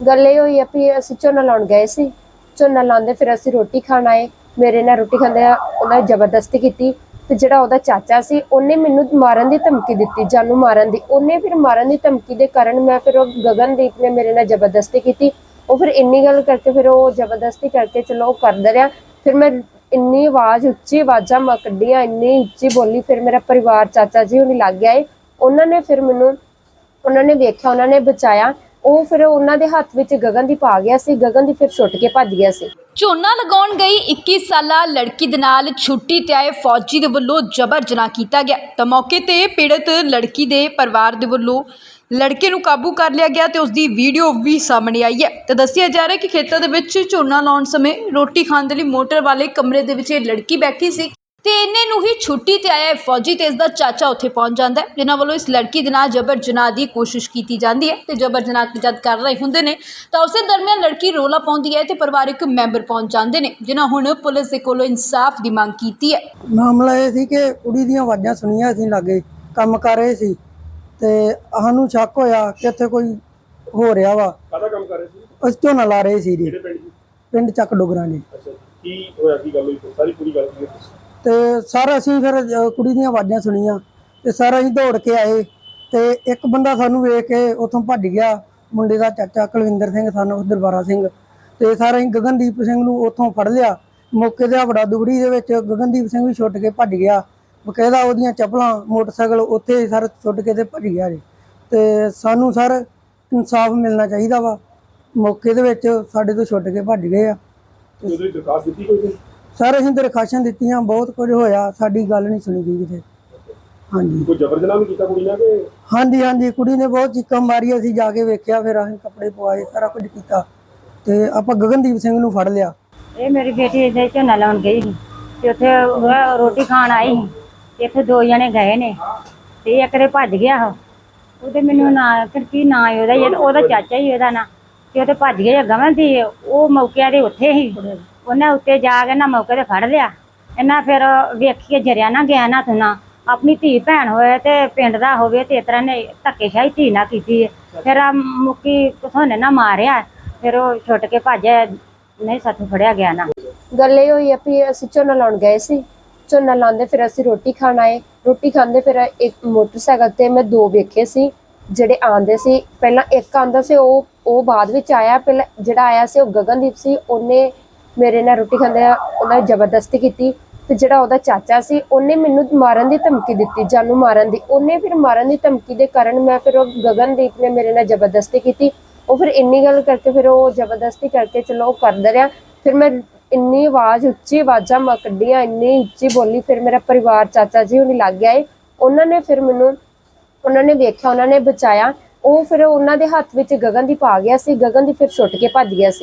गल ये हुई है भी असीं झोना लाउण गए सी। झोना लाउंदे फिर असीं रोटी खाण आए। मेरे नाल रोटी खांदे उन्हां जबरदस्ती कीती ते जिहड़ा ओहदा चाचा सी उन्हें मैनूं मारन दी धमकी दित्ती, जानू मारन दी। उन्हें फिर मारन दी धमकी दे कारण मैं फिर गगनदीप ने मेरे नाल जबरदस्ती कीती। वो फिर इन्नी गल करके फिर वो जबरदस्ती करके चलो वो करदा रहा। फिर मैं इन्नी आवाज़ उच्ची आवाज़ां मैं कड्ढियां, इन्नी उच्ची बोली। फिर मेरा परिवार चाचा जी हुणी लग गए। उन्होंने फिर मैनूं उन्होंने वेख्या, उन्होंने बचाया। ਉਹ ਫਿਰ ਉਹਨਾਂ ਦੇ ਹੱਥ ਵਿੱਚ ਗਗਨਦੀਪ ਆ ਗਿਆ ਸੀ। ਗਗਨਦੀਪ ਫਿਰ ਛੁੱਟ ਕੇ ਭੱਜ ਗਿਆ ਸੀ। ਝੋਨਾ ਲਗਾਉਣ ਗਈ 21 ਸਾਲਾ ਲੜਕੀ ਦੇ ਨਾਲ ਛੁੱਟੀ ਤੇ ਆਏ ਫੌਜੀ ਦੇ ਵੱਲੋਂ ਜਬਰ ਜਨਾਹ ਕੀਤਾ ਗਿਆ ਤਾਂ ਮੌਕੇ ਤੇ ਪੀੜਤ ਲੜਕੀ ਦੇ ਪਰਿਵਾਰ ਦੇ ਵੱਲੋਂ ਲੜਕੇ ਨੂੰ ਕਾਬੂ ਕਰ ਲਿਆ ਗਿਆ ਤੇ ਉਸ ਦੀ ਵੀਡੀਓ ਵੀ ਸਾਹਮਣੇ ਆਈ ਹੈ। ਤਾਂ ਦੱਸਿਆ ਜਾ ਰਿਹਾ ਕਿ ਖੇਤਾਂ ਦੇ ਵਿੱਚ ਝੋਨਾ ਲਾਉਣ ਸਮੇਂ ਰੋਟੀ ਖਾਣ ਦੇ ਲਈ ਮੋਟਰ ਵਾਲੇ ਕਮਰੇ ਦੇ ਵਿੱਚ ਇਹ ਲੜਕੀ ਬੈਠੀ ਸੀ ਤੇ ਇੰਨੇ ਨੂੰ ਹੀ ਛੁੱਟੀ ਤੇ ਆਇਆ ਫੌਜੀ ਤੇ ਇਸ ਦਾ ਚਾਚਾ ਉੱਥੇ ਪਹੁੰਚ ਜਾਂਦਾ ਹੈ, ਜਿਨ੍ਹਾਂ ਵੱਲੋਂ ਇਸ ਲੜਕੀ ਦੇ ਨਾਲ ਜਬਰ ਜਨਾਹ ਦੀ ਕੋਸ਼ਿਸ਼ ਕੀਤੀ ਜਾਂਦੀ ਹੈ ਤੇ ਜਬਰ ਜਨਾਹ ਜਦ ਕਰ ਰਹੇ ਹੁੰਦੇ ਨੇ ਤਾਂ ਉਸੇ ਦਰਮਿਆਨ ਲੜਕੀ ਰੋਲਾ ਪਾਉਂਦੀ ਹੈ ਤੇ ਪਰਿਵਾਰਕ ਮੈਂਬਰ ਪਹੁੰਚ ਜਾਂਦੇ ਨੇ, ਜਿਨ੍ਹਾਂ ਹੁਣ ਪੁਲਿਸ ਦੇ ਕੋਲੋਂ ਇਨਸਾਫ ਦੀ ਮੰਗ ਕੀਤੀ ਹੈ। ਮਾਮਲਾ ਇਹ ਸੀ ਕਿ ਕੁੜੀ ਦੀਆਂ ਆਵਾਜ਼ਾਂ ਸੁਣੀਆਂ, ਅਸੀਂ ਲਾਗੇ ਕੰਮ ਕਰ ਰਹੇ ਸੀ ਤੇ ਸਾਨੂੰ ਸ਼ੱਕ ਹੋਇਆ ਕਿ ਇੱਥੇ ਕੋਈ ਹੋ ਰਿਹਾ ਵਾ। ਕਾਹਦਾ ਕੰਮ ਕਰ ਰਹੇ ਸੀ? ਅਸੀਂ ਝੋਨਾ ਲਾ ਰਹੇ ਸੀ ਜੀ। ਕਿਹੜੇ ਪਿੰਡ ਜੀ? ਪਿੰਡ ਚੱਕ ਡੋਗਰਾਂ ਜੀ। ਅੱਛਾ, ਕੀ ਹੋਇਆ, ਕੀ ਗੱਲ ਹੋਈ? ਸਾਰੀ ਪੂਰੀ ਗੱਲ ਕੀ ਹੈ? ਤੇ ਸਰ ਅਸੀਂ ਫਿਰ ਕੁੜੀ ਦੀਆਂ ਆਵਾਜ਼ਾਂ ਸੁਣੀਆਂ ਤੇ ਸਰ ਅਸੀਂ ਦੌੜ ਕੇ ਆਏ ਤੇ ਇੱਕ ਬੰਦਾ ਸਾਨੂੰ ਵੇਖ ਕੇ ਉੱਥੋਂ ਭੱਜ ਗਿਆ। ਮੁੰਡੇ ਦਾ ਚਾਚਾ ਕੁਲਵਿੰਦਰ ਸਿੰਘ, ਸਾਨੂੰ ਦਰਬਾਰਾ ਸਿੰਘ। ਤੇ ਸਰ ਅਸੀਂ ਗਗਨਦੀਪ ਸਿੰਘ ਨੂੰ ਉੱਥੋਂ ਫੜ ਲਿਆ। ਮੌਕੇ ਤੇ ਹਵੜਾ ਦੁਗੜੀ ਦੇ ਵਿੱਚ ਗਗਨਦੀਪ ਸਿੰਘ ਵੀ ਛੁੱਟ ਕੇ ਭੱਜ ਗਿਆ। ਬਕਾਇਦਾ ਉਹਦੀਆਂ ਚੱਪਲਾਂ, ਮੋਟਰਸਾਈਕਲ ਉੱਥੇ ਸਰ ਛੁੱਟ ਕੇ ਤੇ ਭੱਜ ਗਿਆ ਜੀ। ਤੇ ਸਾਨੂੰ ਸਰ ਇਨਸਾਫ ਮਿਲਣਾ ਚਾਹੀਦਾ ਵਾ। ਮੌਕੇ ਦੇ ਵਿੱਚ ਸਾਡੇ ਤੋਂ ਛੁੱਟ ਕੇ ਭੱਜ ਗਏ ਆ। ਉਹਦੀ ਦਰਖਾਸਤ ਦਿੱਤੀ ਕੋਈ? ਸਰ ਅਸੀਂ ਦਰਖਾਸ਼ਾਂ ਦਿੱਤੀਆਂ, ਬਹੁਤ ਕੁਝ ਹੋਇਆ, ਸਾਡੀ ਗੱਲ ਨਹੀਂ ਸੁਣੀ ਗਈ ਕਿਤੇ। ਹਾਂਜੀ, ਕੋਈ ਜ਼ਬਰ ਜਨਾਹ ਵੀ ਕੀਤਾ ਕੁੜੀ ਨਾਲ ਕਿ? ਹਾਂਜੀ ਹਾਂਜੀ, ਕੁੜੀ ਨੇ ਬਹੁਤ ਚੀਕਾਂ ਮਾਰੀਆਂ। ਅਸੀਂ ਜਾ ਕੇ ਵੇਖਿਆ, ਫਿਰ ਅਸੀਂ ਕੱਪੜੇ ਪਵਾਏ, ਸਾਰਾ ਕੁਝ ਕੀਤਾ ਤੇ ਆਪਾਂ ਗਗਨਦੀਪ ਸਿੰਘ ਨੂੰ ਫੜ ਲਿਆ। ਇਹ ਮੇਰੀ ਬੇਟੀ ਇੱਥੇ ਝੋਨਾ ਲਾਉਣ ਗਈ ਸੀ ਤੇ ਉੱਥੇ ਰੋਟੀ ਖਾਣ ਆਈ ਸੀ। ਇੱਥੇ 2 ਜਣੇ ਗਏ ਨੇ ਤੇ ਇੱਕ ਦੇ ਭੱਜ ਗਿਆ। ਉਹਦੇ ਮੈਨੂੰ ਨਾਂ ਕੀ ਨਾਂ ਉਹਦਾ ਚਾਚਾ ਹੀ ਉਹਦਾ ਨਾਂ, ਤੇ ਉਹਦੇ ਭੱਜ ਗਿਆ ਗਵਨ ਸੀ। ਉਹ ਮੌਕੇ ਦੇ ਉੱਥੇ ਹੀ ਉਹਨੇ ਉੱਤੇ ਜਾ ਕੇ ਨਾ ਮੌਕੇ ਤੇ ਫੜ ਲਿਆ। ਇਹਨਾਂ ਫਿਰ ਵੇਖੀਏ ਜਰਿਆ ਨਾ ਗਿਆ ਨਾ ਤੁਨਾ ਆਪਣੀ ਧੀ ਭੈਣ ਹੋਏ ਤੇ ਪਿੰਡ ਦਾ ਹੋਵੇ ਤੇ ਇਸ ਤਰ੍ਹਾਂ ਨੇ ਧੱਕੇਸ਼ਾਹੀ ਧੀ ਨਾ ਕੀਤੀ। ਫਿਰ ਆ ਮੁੱਕੀ ਕਿਥੋਂ ਨਾ ਮਾਰਿਆ, ਫਿਰ ਉਹ ਛੁੱਟ ਕੇ ਭੱਜਿਆ, ਨਹੀਂ ਸਾਥੋਂ ਫੜਿਆ ਗਿਆ ਨਾ। ਗੱਲ ਇਹ ਹੋਈ ਹੈ ਵੀ ਅਸੀਂ ਝੋਨਾ ਲਾਉਣ ਗਏ ਸੀ। ਝੋਨਾ ਲਾਉਂਦੇ ਫਿਰ ਅਸੀਂ ਰੋਟੀ ਖਾਣ ਆਏ। ਰੋਟੀ ਖਾਂਦੇ ਫਿਰ ਇੱਕ ਮੋਟਰਸਾਈਕਲ ਤੇ ਮੈਂ 2 ਵੇਖੇ ਸੀ ਜਿਹੜੇ ਆਉਂਦੇ ਸੀ। ਪਹਿਲਾਂ ਇੱਕ ਆਉਂਦਾ ਸੀ, ਉਹ ਬਾਅਦ ਵਿੱਚ ਆਇਆ। ਪਹਿਲਾਂ ਜਿਹੜਾ ਆਇਆ ਸੀ ਉਹ ਗਗਨਦੀਪ ਸੀ। ਉਹਨੇ ਮੇਰੇ ਨਾਲ ਰੋਟੀ ਖਾਂਦੇ ਉਹਨਾਂ ਜਬਰਦਸਤੀ ਕੀਤੀ ਤੇ ਜਿਹੜਾ ਉਹਦਾ ਚਾਚਾ ਸੀ ਉਹਨੇ ਮੈਨੂੰ ਮਾਰਨ ਦੀ ਧਮਕੀ ਦਿੱਤੀ, जानू मारन दी। ਉਹਨੇ ਫਿਰ ਮਾਰਨ ਦੀ ਧਮਕੀ ਦੇ ਕਾਰਨ ਮੈਂ ਫਿਰ ਗਗਨਦੀਪ ਨੇ ਮੇਰੇ ਨਾਲ ਜਬਰਦਸਤੀ ਕੀਤੀ। ਉਹ ਫਿਰ ਇੰਨੀ ਗੱਲ ਕਰਕੇ ਫਿਰ ਉਹ ਜਬਰਦਸਤੀ ਕਰਕੇ ਚਲੋ ਉਹ ਕਰਦਾ ਰਿਹਾ। ਫਿਰ ਮੈਂ ਇੰਨੀ ਆਵਾਜ਼ ਉੱਚੀ ਆਵਾਜ਼ਾਂ ਮੈਂ ਕੱਢੀਆਂ, ਇੰਨੀ ਉੱਚੀ ਬੋਲੀ। ਫਿਰ ਮੇਰਾ ਪਰਿਵਾਰ ਚਾਚਾ ਜੀ ਹੁਣੀ ਲੱਗ ਗਏ। ਉਹਨਾਂ ਨੇ ਫਿਰ ਮੈਨੂੰ उन्होंने वेख्या, उन्होंने बचाया। वो फिर उन्होंने हाथ में गगनदीप आ गया सी। गगनदीप फिर छुट के भज गया सी।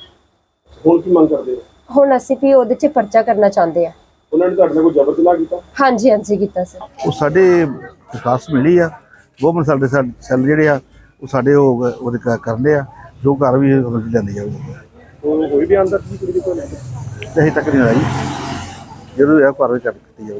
हुण की मंग करदे हो? हुण असीं भी उहदे च परचा करना चाहते हैं। उन्होंने तुहाडे नाल कोई जबर जनाह कीता? हाँ जी, हाँ जी कीता सी। वो साडे विकास मिली आ, गवर्नमेंट साडे सैल जिहड़े आ वो साडे ओहदे करदे आ, जो घर भी लैंदी जाऊगी। कोई भी आंदा सी कुड़ी दे कोल? अजे तक नहीं आई, जो घर भी कर दी जाऊगी।